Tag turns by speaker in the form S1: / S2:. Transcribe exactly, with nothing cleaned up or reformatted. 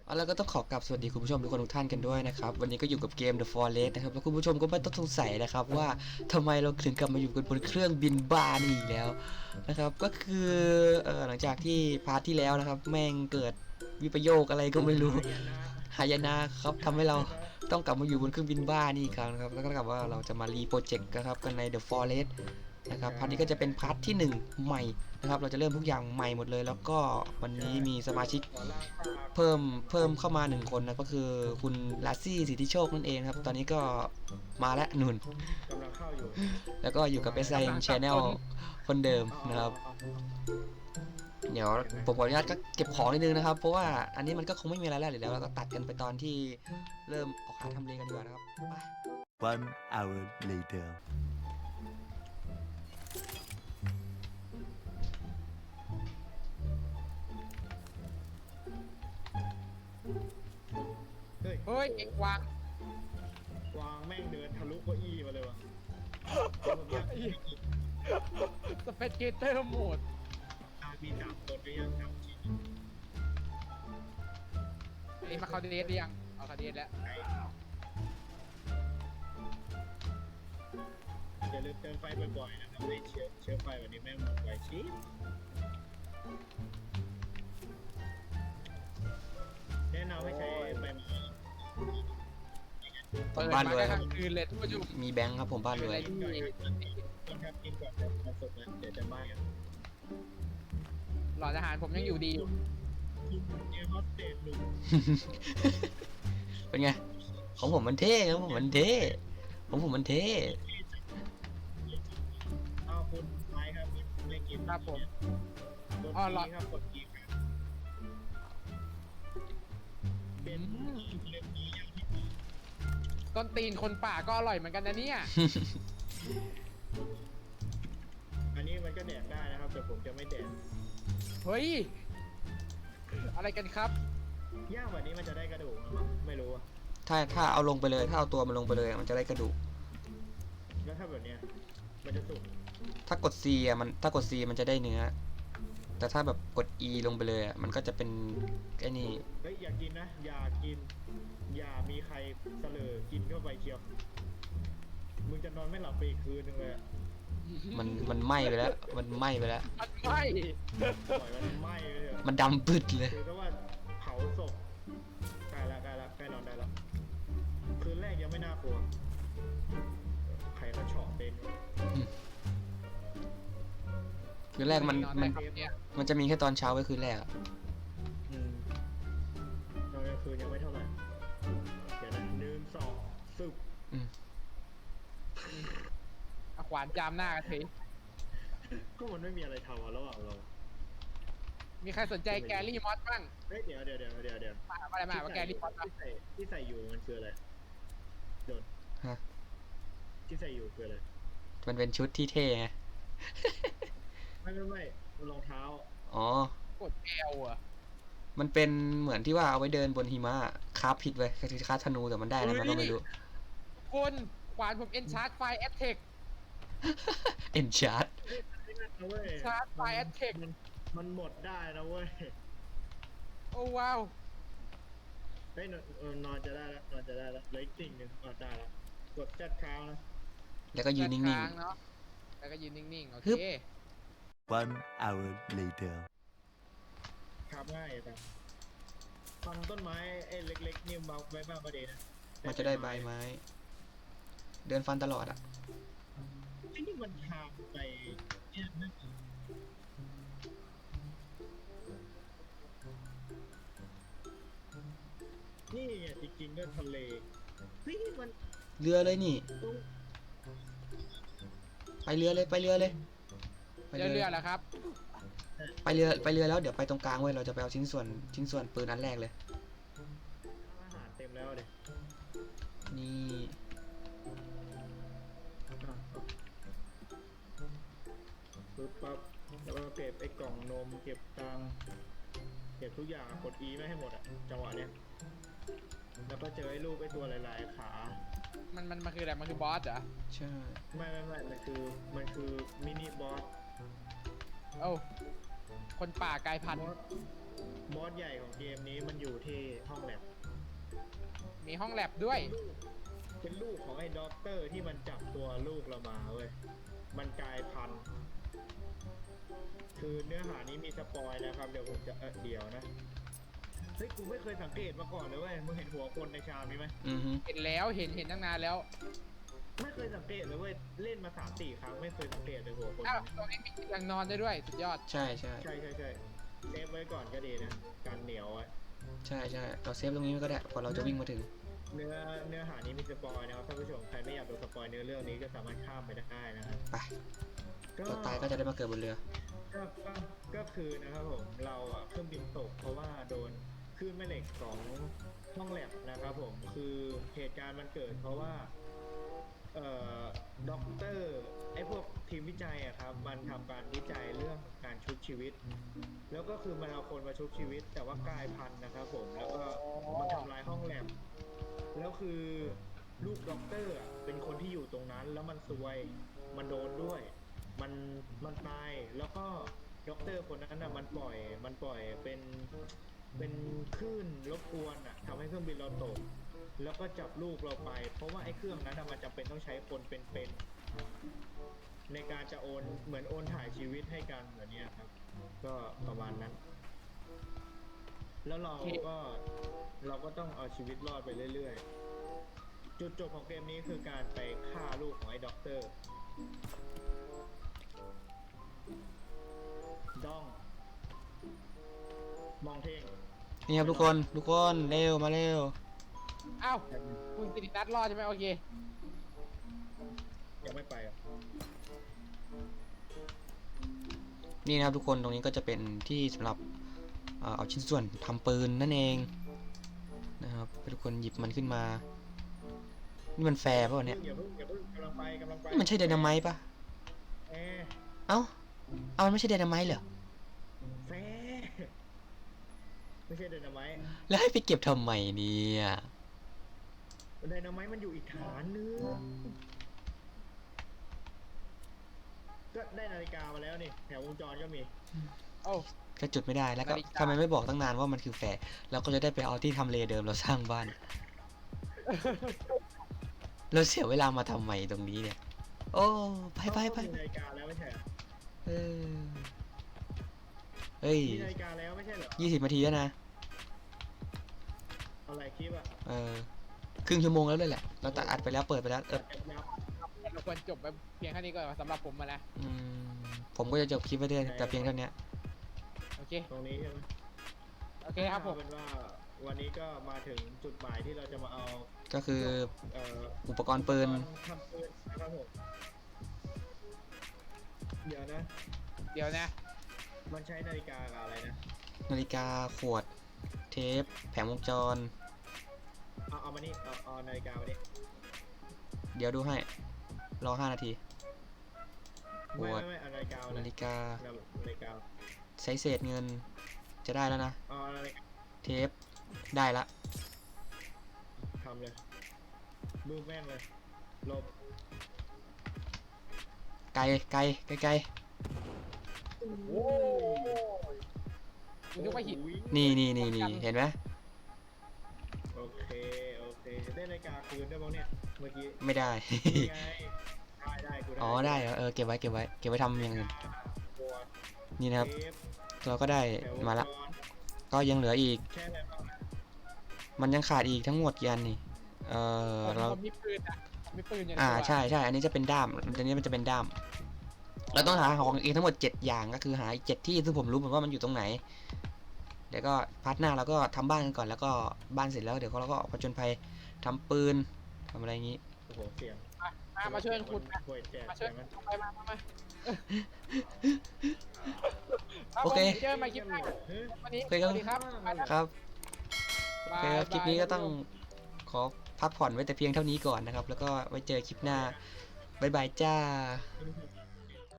S1: เอาแล้วก็ต้องขอกราบสวัสดีคุณผู้ชมทุกคนทุกท่านกันด้วยนะครับวันนี้ก็อยู่กับเกม The Forest นะครับแล้วคุณผู้ชมก็ไม่ต้องสงสัยนะครับว่าทำไมเราถึงกลับมาอยู่กันบนเครื่องบินบ้านี่อีกแล้วนะครับก็คือเออหลังจากที่พาร์ทที่แล้วนะครับแม่งเกิดวิปโยคอะไรก็ไม่รู้หายนะครับทำให้เราต้องกลับมาอยู่บนเครื่องบินบ้านี่อีกครั้งนะครับแล้วก็กลับว่าเราจะมารีโปรเจกต์นะครับกันใน The Forest นะครับพาร์ทนี้ก็จะเป็นพาร์ทที่หนึ่งใหม่นะครับเราจะเริ่มทุกอย่างใหม่หมดเลยแล้วก็วันนี้มีสมาชิกเพิ่มเพิ่มเข้ามาหนึ่งคนนะก็คือคุณลาซี่สิทธิโชคนั่นเองครับตอนนี้ก็มาแล้วนุ่น
S2: กำลังเข้าอยู่
S1: แล้วก็อยู่กับ เอส ไอ เอ็ม Channel คนเดิมนะครับเดี๋ยวผมขออนุญาตก็เก็บของนิดนึงนะครับเพราะว่าอันนี้มันก็คงไม่มีอะไรแล้วเดี๋ยวเราก็ตัดกันไปตอนที่เริ่มออกหาทำเลกันดีกว่านะครับไป
S3: One hour later.
S2: เฮ้ย
S4: เฮ้ยเอ็งวาง
S2: วางแม่งเดินทะลุเก้าอี้มาเลยวะผมอยากให้กิน
S4: สเปซเกเตอร์โหมด
S2: อามีสามคนก็ยังทำชิ้น
S4: อันนี้มาคาเดสหรือยังเอาคาเดสแล้ว
S2: อย่าลืมเติมไฟบ่อยๆนะครับไม่เชื้อเชื้อไฟวันนี้แม่งหมดไวชิบแนะนำให้ใช้ไฟมา
S1: ผมบ้านรวยครับ
S4: คืนเลยทุกผู้ชม
S1: มีแบงค์ครับผมบ้านรวย
S2: กินก่อนครับกินก่อนครับมันสุกแล้วเดี๋ยวจะไหม้กัน
S4: หลอดอาหารผมยังอยู่ดีอยู่
S2: คุณเอฮอสเตสหนุ่ม
S1: เป็นไงของผมมันเท่ครับผมมันเท่ของผมมันเท่
S2: เอาคุณไม้ครับเล่นเกม
S4: ครับผม
S2: กด
S4: อ๋อ
S2: กี
S4: หลอด
S2: ครับกดกีครับเป็นเล่มนี้ยังที่
S4: ต้นตีนคนป่าก็อร่อยเหมือนกันนะเนี่ย
S2: อันนี้มันก็แดกได้นะครับแต่ผมจะไม่แดก
S4: เฮ้ยอะไรกันครับ
S2: ย่างแบบนี้มันจะได้กระดูกมั้ยไม่รู้อะ
S1: ถ้าถ้าเอาลงไปเลยถ้าเอาตัวมันลงไปเลยมันจะได้กระดูก
S2: แล้วถ้าแบบเนี้ยมันจะสุก
S1: ถ้ากด C อ่ะมันถ้ากด C มันจะได้เนื้อแต่ถ้าแบบกด E ลงไปเลยอ่ะมันก็จะเป็นไอ้นี่
S2: เฮ้ยอย่ากินนะอย่ากิน อย่ามีใครเสลอกินเข้าไปเชียวมึงจะนอนไม่หลับไปอีกคืนนึงเลยอะ
S1: มันมันไหม้ไปแล้วมันไหม้ไปแล้ว
S4: มันไม่
S2: ปล่อยมันไหม้ไปเลย
S1: มันดำปึดเลย
S2: คือถ้าว่าเผาศพใกล้ละใกล้ละใกล้นอนได้แล้วคืนแรกยังไม่น่ากลัวใครเขาเฉาะเป็นวะ
S1: คือแรกมัน
S4: อ
S1: มัน
S4: ได้ครับเนี่ย
S1: มันจะมีแค่ตอนเช้าไว้คืนแรกอะ
S2: อืมตอนกลางคืนยังไม่เท่าไหร่เดี๋ยวนะหนึ่งสองซึบ
S1: อืม
S4: เอาขวานจามหน้ากันที
S2: ก็มันไม่มีอะไรทำอะระหว่างเรา
S4: มีใครสนใจแกรี่มอสบ้าง
S2: เฮ้ยเดี๋ยวเดี๋ยวเดี๋ยวเดี๋ยวเดี๋ยว
S4: มาอะไรมาว่าแกรี่มอส
S2: ที่ใส่ที่ใส่อยู่มันคืออะไรโดน
S1: ฮะ
S2: ที่ใส่อยู่คืออะไร
S1: มันเป็นชุดที่เท่ไง
S2: ไม่ไม่ไม่มันรองเท้า
S1: อ๋อ
S4: กดแอลอะ
S1: มันเป็นเหมือนที่ว่าเอาไว้เดินบนหิมะคาบผิดไว้คือคาบธนูแต่มันได้แล้วมันก็ไม่รู้
S4: คนขวานผมเอ็นชาร์จไฟแอตเทค
S1: เอ็นชาร์ด
S2: นะเว้ย
S4: ชาร์จไฟแอตเทค
S2: มันมันหมดได้นะเว้ย
S4: โอ้ว้าว
S2: เฮ้ยนอนเออนอนจะได้แล้วนอนจะได้แล้วเหลืออีกสิ่งหนึ่งนอนได้แล้วกดแจ็คเท้านะ
S1: แล้วก็ยืนนิ่ง
S4: ค้างเนาะแล้วก็ยืนนิ่งๆ โอ
S1: ฮึ
S4: เค
S1: บ
S3: One hour later.
S2: ครับง่ายแต่ทำต้นไม้ไอ้เล็กๆนี่มาไว้มากประเด็นนะ
S1: ๆมันจะได้ใบไม้ เดินฟันตลอดอ่ะ
S2: ไอ้นี่มันทางไปเนี่ยนั่นเองนี่ไงจริงๆก็ทะเลเฮ้ยมัน
S1: เรือเลยนี่
S2: ตรง
S1: ไปเรือเลยไปเรือเลยไป
S4: เรื่อยๆแล้วครับ
S1: ไปเรือไปเรือแล้วเดี๋ยวไปตรงกลางเว้ยเราจะไปเอาชิ้นส่วนชิ้นส่วนปืนอันแรกเลย
S2: อาหารเต็มแล้วเด็
S1: นี่
S2: ปึ๊บปั๊บแล้วก็เก็บไอ้กล่องนมเก็บตังค์เก็บทุกอย่างกด E ไม่ให้หมดอ่ะจังหวะเนี้ยแล้วก็เจอไอ้รูปไอ้ตัวหลายๆขา
S4: มันมันมันคืออะไร มันคือบอสเหรอ
S1: ใช่
S2: ไม่ไม่ไม่มันคือมันคือมินิบอส
S4: โอ้าคนป่ากลายพันธุ์
S2: บอสบอสใหญ่ของเกมนี้มันอยู่ที่ห้องแลบ
S4: มีห้องแลบด้วย
S2: เป็นลูกของไอ้ด็อกเตอร์ที่มันจับตัวลูกเรามาเว้ย มันกลายพันธุ์คือเนื้อหานี้มีสปอยนะครับ เดี๋ยวผมจะเออเดี๋ยวนะ เฮ้ย กูไม่เคยสังเกตมาก่อนเลยเว้ย มึงเห็นหัวคนในชามนี้ไหม
S1: อือฮึ
S4: เห็นแล้วเห็นเห็นตั้งนานแล้ว
S2: ไม่เคยสังเกตเลยเว้ย เล่นมาสามสี่ครั้งไม่เคยสังเกตเลยหัวคน
S4: อ้าวตรงนี้มีเตียงนอนได้ด้วย สุดยอด
S1: ใช่ใช่
S2: ใช่ใช่ใช่เซฟไว้ก่อนก็ดีนะ การเหนียวไว้
S1: ใช่ใช่เราเซฟตรงนี้ก็ได้พอเราจะวิ่งมาถึง
S2: เนื้อเนื้อหานี้มีสปอยนะครับท่านผู้ชม ใครไม่อยากโดนสปอยเนื้อเรื่องนี้ก็สามารถข้ามไปได้นะครับ
S1: ไปตัวตายก็จะได้มาเกิดบนเรือ
S2: ก็ก็ก็คือนะครับผมเราอ่ะเครื่องบินตกเพราะว่าโดนคลื่นแม่เหล็กของห้องแลบนะครับผมคือเหตุการณ์มันเกิดเพราะว่าเอ่อด็อกเตอร์ไอ้พวกทีมวิจัยอะครับมันทำการวิจัยเรื่องการชุบชีวิต แล้วก็คือมันเอาคนมาชุบชีวิต แต่ว่ากลายพันธุ์นะครับผมแล้วก็มันทำลายห้องแลบแล้วคือลูกด็อกเตอร์อะเป็นคนที่อยู่ตรงนั้นแล้วมันซวยมันโดนด้วย มันมันตายแล้วก็ด็อกเตอร์คนนั้นอ่ะมันปล่อยมันปล่อยเป็นเป็นคลื่นรบกวนอ่ะทำให้เครื่องบินเราตก แล้วก็จับลูกเราไป เพราะว่าไอ้เครื่องนั้นอะมันจำเป็นต้องใช้คนเป็นๆในการจะโอนเหมือนโอนถ่ายชีวิตให้กันแบบเนี้ยครับ ก็ประมาณนั้น แล้วเราก็เราก็ต้องเอาชีวิตรอดไปเรื่อยๆจุดจบของเกมนี้คือการไปฆ่าลูกของไอ้ด็อกเตอร์ ด้อง มองเท่ง
S1: นี่ครับทุกคนทุกคนเร็วมาเร็ว
S4: อ้าวคุณสิรินัทรอดใช่ไหมโอเค
S2: ยังไม่ไปอ่ะ
S1: นี่นะครับทุกคนตรงนี้ก็จะเป็นที่สำหรับเอ่อเอาชิ้นส่วนทำปืนนั่นเองนะครับให้ทุกคนหยิบมันขึ้นมานี่มันแฟร์ป่ะวะเนี่ย
S2: อย่าเพิ่งอย่าเพิ่งกำลังไปกำลังไป
S1: นี่มันใช่ไดนาไมต์ป่ะ
S2: แฟร์
S1: เอ้าเอามันไม่ใช่ไดนาไมต์เหรอ
S2: แฟร์ไม่ใช่ไดนาไมต์
S1: แล้วให้ไปเก็บทำไมเนี่ย
S2: ไดนาไมต์มันอยู่อีกฐานนึงก็ได้นาฬิกามาแล้วนี่แถววงจรก็มี
S4: โอ้
S1: ก็จุดไม่ได้แล้วก็
S4: นาฬิกา
S1: ทำไมไม่บอกตั้งนานว่ามันคือแฟร์เราก็จะได้ไปเอาที่ทำเลเดิมเราสร้างบ้าน เราเสียเวลามาทำไมตรงนี้เนี่ย โอ้ไปไปไป
S2: มีนาฬิกาแล้วไม่ใช่เหรอ
S1: เออเฮ้ย
S2: มีนาฬิกาแล้วไม่ใช่เหรอ
S1: ยี่สิบนาทีแล้วนะ
S2: อะไรคลิปอ่ะ
S1: เออครึ่งชั่วโมงแล้วเลยแหละเราตัดอัดไปแล้วเปิดไปแล้วเออ
S2: แอบยับ
S4: เราควรจบไปเพียงแค่นี้ก่อนสำหรับผมมานะ
S1: อืมผมก็จะจบคลิปไปด้วยแต่เพียงเท่านี้
S4: โอเค
S2: ตรงนี้ใช่ไหม
S4: โอเคครับผม
S2: เอาเป็นว่าวันนี้ก็มาถึงจุดหมายที่เราจะมาเอา
S1: ก็คือ
S2: เอ่อ
S1: อุปกรณ์ปืน
S2: ทำปืนนะครับผมเดี๋ยวนะ
S4: เดี๋ยวนะ
S2: มันใช้นาฬิกากับอะไรนะ
S1: นาฬิกาขวด เทป แผงวงจร
S2: เอาเอามานี่เอาเอานาฬิกามานี่
S1: เดี๋ยวดูให้ รอห้านาที
S2: ไม่
S1: ขวด
S2: ไม่ไม่เอานาฬิกามา
S1: นาฬิกา
S2: นาฬิกา
S1: ใช้เศษเงิน จะได้แล้วนะ
S2: เอานาฬิกา
S1: เทป ได้ละ
S2: ทำเลยมือแม่งเลยหลบ
S1: ไกลไกลไกลไกล
S4: โอ้คุณนึกว่าหิน
S2: โอ้โห
S1: นี่นี่นี่นี่เห็นไหม
S2: โอเคโอเคได้นาฬิกาคืนได้บ้างเนี่ยเมื่อกี้
S1: ไม่ได้
S2: นี่ไงได้ได้กูได้
S1: อ๋อได้เหรอเออเก็บไว้เก็บไว้เก็บไว้ทำอย่างอื่น
S2: ขวด
S1: นี่นะครับ
S2: เทป
S1: เราก็ได้
S2: แถว
S1: มาละ
S2: จร
S1: ก็ยังเหลืออีก
S2: ใช่อะไรบ้างนะ
S1: มันยังขาดอีกทั้งหมดกี่อันนี่ เออ
S4: ผม
S1: เรา
S4: ผมมีปืนนะผมมีปืนอยู่ใน
S1: อ่า
S4: ตัว
S1: ใช่ใช่อันนี้จะเป็นด้ามอันนี้มันจะเป็นด้าม เราต้องหาของอีกทั้งหมดเจ็ดอย่างก็คือหาอีกเจ็ดที่ซึ่งผมรู้เหมือนว่ามันอยู่ตรงไหน เดี๋ยวก็พาร์ทหน้าเราก็ทำบ้านกันก่อนแล้วก็บ้านเสร็จแล้วเดี๋ยวเราก็ออกผจญภัยทำปืนทำอะไรอย่างนี้
S2: โอ้โหเสียง
S4: มามาช่วยกันขุดนะ
S2: ช่วยแจก
S4: มาช่วย
S2: ใช่ไหม
S4: ไปมามามารับ
S1: โอเค
S4: ผมเจอกันใหม่คลิปหน้า
S2: เฮ้ย
S4: วันนี้
S1: โอเคครับ
S4: สวัสดีครับไปแล้ว
S1: ครับโอเคครับ
S4: บาย
S1: คลิปนี้ก็
S4: บาย
S1: ต้องขอพักผ่อนไว้แต่เพียงเท่านี้ก่อนนะครับ แล้วก็ไว้เจอคลิปหน้าบ๊ายบายจ้า
S2: เฮ้ย